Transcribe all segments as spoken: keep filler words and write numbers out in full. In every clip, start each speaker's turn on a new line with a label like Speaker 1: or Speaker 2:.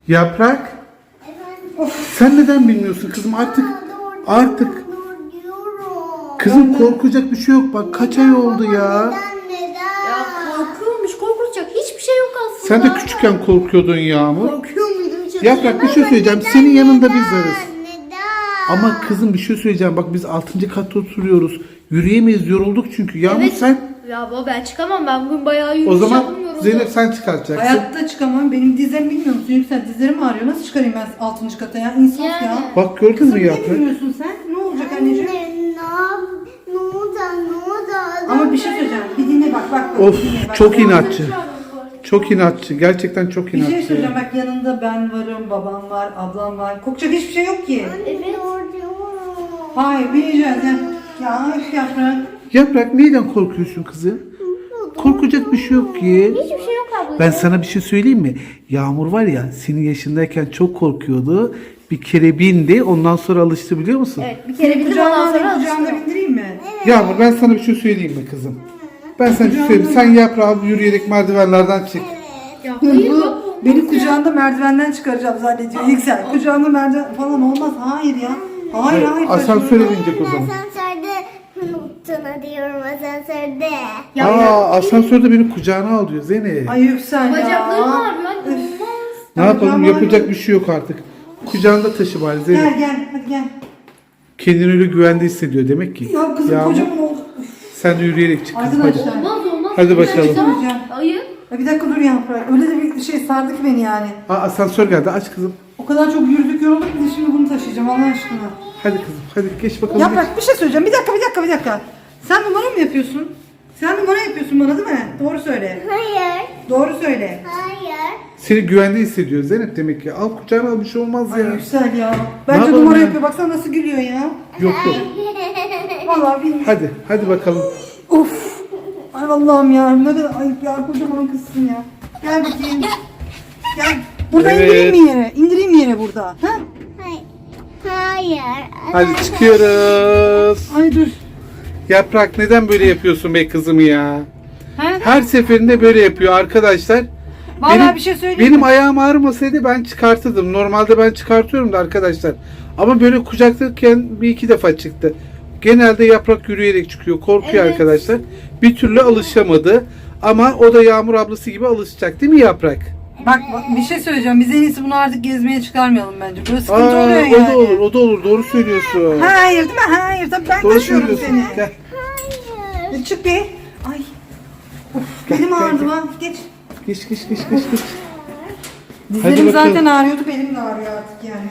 Speaker 1: Yaprak, of, sen neden bilmiyorsun kızım artık artık kızım korkacak bir şey yok bak kaç ay oldu ya.
Speaker 2: Ya korkuyormuş, korkulacak hiçbir şey yok aslında.
Speaker 1: Sen de küçükken korkuyordun Yağmur.
Speaker 2: Korkuyor muydum hiç?
Speaker 1: Yaprak bir şey söyleyeceğim senin yanında biz varız. Ama kızım bir şey söyleyeceğim bak biz altıncı katta oturuyoruz. Yürüyemeyiz yorulduk çünkü. Yağmur
Speaker 2: Evet.
Speaker 1: sen
Speaker 2: Ya baba ben çıkamam, ben bugün bayağı yürüyüş
Speaker 1: o zaman
Speaker 2: yapamıyorum.
Speaker 1: Zeynep sen çıkartacaksın.
Speaker 3: Hayatta çıkamam. Benim dizlerim bilmiyor musun? Yüksel dizlerim ağrıyor. Nasıl çıkarayım ben altıncı kata ya? İnsaf
Speaker 2: Yani.
Speaker 3: ya.
Speaker 1: Bak gördün
Speaker 3: Kızım
Speaker 1: mü
Speaker 3: ne
Speaker 1: Yaprak?
Speaker 3: bilmiyorsun sen? Ne olacak anneciğim?
Speaker 4: Anne, ne oldu? Ne oldu?
Speaker 3: Ama bir şey söyleyeceğim. Bir dinle bak bak. bak
Speaker 1: Of
Speaker 3: dinle, bak.
Speaker 1: çok inatçı. Çok inatçı. Gerçekten çok
Speaker 3: Bir şey
Speaker 1: inatçı.
Speaker 3: söyleyeceğim. Bak yanında ben varım, babam var, ablam var. Korkacak hiçbir şey yok ki.
Speaker 2: Evet.
Speaker 3: Hayır bileceğiz ya. Ya üf yaprak.
Speaker 1: Yaprak neyden korkuyorsun kızım? Korkacak bir şey yok ki.
Speaker 2: Hiçbir şey yok abla.
Speaker 1: Ben sana bir şey söyleyeyim mi? Yağmur var ya senin yaşındayken çok korkuyordu. Bir kere bindi ondan sonra alıştı biliyor musun?
Speaker 2: Evet bir kere bildim
Speaker 3: Kucağına
Speaker 2: ondan sonra
Speaker 3: alayım, kucağına
Speaker 2: alıştım.
Speaker 3: bindireyim mi?
Speaker 1: Yağmur ben sana bir şey söyleyeyim mi kızım? Ben sana bir şey söyleyeyim. Sen yaprağı yürüyerek merdivenlerden çık.
Speaker 2: Ya hayır
Speaker 3: Bu
Speaker 2: baba.
Speaker 3: beni kucağında merdivenden çıkaracağım zannediyor Yüksel. Kucağında merdiven falan olmaz. Hayır ya. Hayır hayır.
Speaker 1: Asansöre binecek o zaman.
Speaker 4: Asansörde unuttun diyorum asansörde.
Speaker 2: Ya,
Speaker 1: Aa asansörde beni kucağına al diyor Zeynep.
Speaker 3: Ay Yüksel ya.
Speaker 2: Bacaklarım ağrıyor anne, olmaz.
Speaker 1: Ne yapalım
Speaker 3: Tamam,
Speaker 1: yapacak bir şey yok artık. Kucağında taşı bari
Speaker 3: Gel
Speaker 1: Zeynep.
Speaker 3: gel hadi gel.
Speaker 1: Kendini öyle güvende hissediyor demek ki.
Speaker 3: Ya kızım
Speaker 1: Yağmur,
Speaker 3: kocaman oldu.
Speaker 1: sen de yürüyerek çık kızım hadi.
Speaker 3: Arkadaşlar.
Speaker 2: Olmaz olmaz.
Speaker 1: Hadi bakalım.
Speaker 3: Söyleyeceğim.
Speaker 2: Hayır.
Speaker 3: Ya bir dakika dur Yaprak. Öyle de bir şey sardı ki beni yani.
Speaker 1: Aa, asansör geldi aç kızım.
Speaker 3: O kadar çok yürüdük yorulduk ki de şimdi bunu taşıyacağım Allah aşkına.
Speaker 1: Hadi kızım hadi geç bakalım.
Speaker 3: Yaprak bir şey söyleyeceğim. Bir dakika bir dakika bir dakika. Sen numara mı yapıyorsun? Sen numara yapıyorsun bana değil mi? Doğru söyle.
Speaker 4: Hayır.
Speaker 3: Doğru söyle.
Speaker 4: Hayır.
Speaker 1: Seni güvende hissediyor Zeynep demek ki. Al kucağına al bir şey olmaz
Speaker 3: Ay
Speaker 1: ya.
Speaker 3: Yüksel ya. Bence
Speaker 1: yapalım
Speaker 3: numara
Speaker 1: ya?
Speaker 3: yapıyor. Baksana nasıl gülüyor ya.
Speaker 1: Yok yok.
Speaker 3: Vallahi bilmiyorum.
Speaker 1: Hadi hadi bakalım.
Speaker 3: Of. Ay Allah'ım ya. Ne kadar ayıp ya. Kocaman kızsın ya. Gel bakayım. Gel. Burada
Speaker 1: Evet.
Speaker 3: indireyim mi yere? İndireyim mi yere burada? Ha?
Speaker 4: Hayır. Hayır.
Speaker 1: Hadi çıkıyoruz.
Speaker 3: Ay dur.
Speaker 1: Yaprak neden böyle yapıyorsun be kızım ya?
Speaker 3: He?
Speaker 1: Her seferinde böyle yapıyor arkadaşlar.
Speaker 3: Vallahi bir şey söyleyeyim
Speaker 1: Benim
Speaker 3: mi?
Speaker 1: ayağım ağrımasaydı ben çıkartırdım. Normalde ben çıkartıyorum da arkadaşlar. Ama böyle kucaklarken bir iki defa çıktı. Genelde Yaprak yürüyerek çıkıyor. Korkuyor
Speaker 2: Evet.
Speaker 1: arkadaşlar. Bir türlü alışamadı. Ama o da Yağmur ablası gibi alışacak değil mi Yaprak?
Speaker 3: Bak, bak bir şey söyleyeceğim. Biz en iyisi bunu artık gezmeye çıkarmayalım bence. Böyle sıkıntı
Speaker 1: Aa,
Speaker 3: oluyor
Speaker 1: o
Speaker 3: yani.
Speaker 1: da olur, o da olur. Doğru söylüyorsun.
Speaker 3: Hayır değil mi? Hayır. Tabii ben
Speaker 1: Doğru
Speaker 3: taşıyorum
Speaker 1: söylüyorsun.
Speaker 3: seni.
Speaker 1: Gel.
Speaker 3: E, Çık be. Ay. Of,
Speaker 1: Gel,
Speaker 3: benim
Speaker 1: gel,
Speaker 3: ağrıdı
Speaker 1: gel.
Speaker 3: lan. Geç.
Speaker 1: Geç geç geç geç geç.
Speaker 3: Dizlerim
Speaker 1: bakalım.
Speaker 3: zaten ağrıyordu. Benim de ağrıyor artık yani.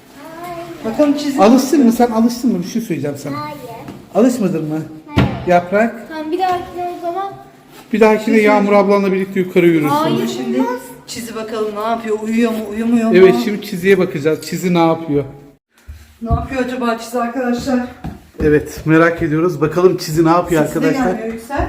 Speaker 3: Bakalım çizim.
Speaker 1: Alıştın mı? Sen alıştın mı? Bir şey söyleyeceğim sana.
Speaker 4: Hayır.
Speaker 1: Alışmadın mı? Yaprak.
Speaker 2: Tamam bir dahakine o zaman.
Speaker 1: Bir dahakine Yağmur ablanla birlikte yukarı yürürsün.
Speaker 2: Hayır.
Speaker 3: Şimdi çizi bakalım ne yapıyor? Uyuyor mu? Uyumuyor mu?
Speaker 1: Evet şimdi çiziye bakacağız. Çizi ne yapıyor?
Speaker 3: Ne yapıyor acaba çizi arkadaşlar?
Speaker 1: Evet merak ediyoruz. Bakalım Çizi ne yapıyor
Speaker 3: Sesi de
Speaker 1: arkadaşlar?
Speaker 3: gelmiyor Yüksel.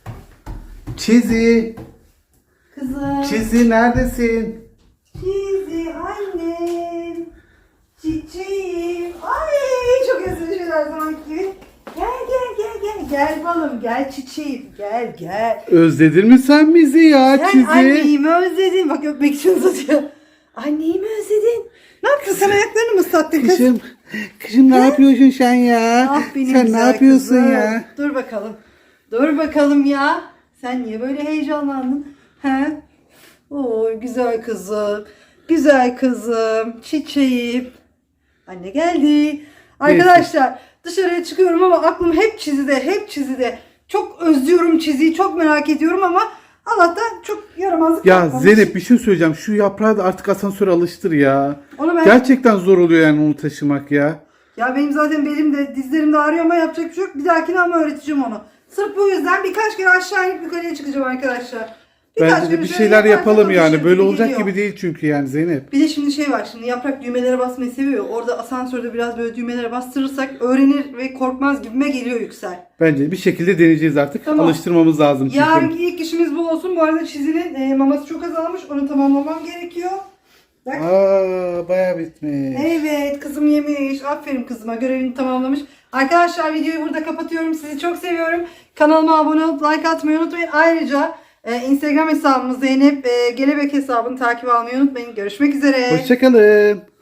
Speaker 1: Çizi.
Speaker 3: Kızım.
Speaker 1: Çizi neredesin?
Speaker 3: Çizi annem. Çiçeğim. Ay çok özlemişim her zamanki gibi. Gel gel gel gel. Gel balım gel çiçeğim. Gel gel.
Speaker 1: Özledin mi sen bizi ya
Speaker 3: Sen
Speaker 1: Çizi?
Speaker 3: annemi özledin. Bak öpmek için uzatıyor. Annemi özledin. Ne yaptın sen ayaklarını mı ıslattın kız?
Speaker 1: Kızım, kızım ne yapıyorsun sen ya?
Speaker 3: Ah benim
Speaker 1: sen ne
Speaker 3: güzel
Speaker 1: yapıyorsun
Speaker 3: kızım.
Speaker 1: ya?
Speaker 3: Dur bakalım. Dur bakalım ya. Sen niye böyle heyecanlandın? He? Oo güzel kızım. Güzel kızım. Çiçeğim. Anne geldi. Arkadaşlar dışarıya çıkıyorum ama aklım hep çizide. Hep çizide. Çok özlüyorum çiziyi. Çok merak ediyorum ama Allah'tan çok yaramazlık
Speaker 1: Ya
Speaker 3: yapmamış.
Speaker 1: Zeynep bir şey söyleyeceğim. Şu yaprağı da artık asansöre alıştır ya.
Speaker 3: Onu ben...
Speaker 1: Gerçekten zor oluyor yani onu taşımak ya.
Speaker 3: Ya benim zaten belim de dizlerim de ağrıyor ama yapacak bir şey yok. Bir dahakine ama öğreteceğim onu. Sırf bu yüzden birkaç kere aşağı inip yukarıya çıkacağım arkadaşlar. Birkaç
Speaker 1: Bence de
Speaker 3: kere
Speaker 1: bir
Speaker 3: şöyle
Speaker 1: şeyler
Speaker 3: yaparsak
Speaker 1: yapalım yani.
Speaker 3: alışır
Speaker 1: Böyle
Speaker 3: gibi
Speaker 1: olacak
Speaker 3: geliyor.
Speaker 1: gibi değil çünkü yani Zeynep.
Speaker 3: Bir de şimdi şey var, şimdi Yaprak düğmelere basmayı seviyor. Orada asansörde biraz böyle düğmelere bastırırsak öğrenir ve korkmaz gibime geliyor Yüksel.
Speaker 1: Bence bir şekilde deneyeceğiz artık.
Speaker 3: Tamam.
Speaker 1: Alıştırmamız lazım çünkü.
Speaker 3: Yarınki ilk işimiz bu olsun. Bu arada Çizi'nin e, maması çok azalmış. Onu tamamlamam gerekiyor. Bak.
Speaker 1: Aa, bayağı bitmiş.
Speaker 3: Evet kızım yemiş. Aferin kızıma, görevini tamamlamış. Arkadaşlar videoyu burada kapatıyorum. Sizi çok seviyorum. Kanalıma abone olup like atmayı unutmayın. Ayrıca Ee, Instagram hesabımız Zeynep e, Gelebek hesabını takip almayı unutmayın. Görüşmek üzere.
Speaker 1: Hoşçakalın.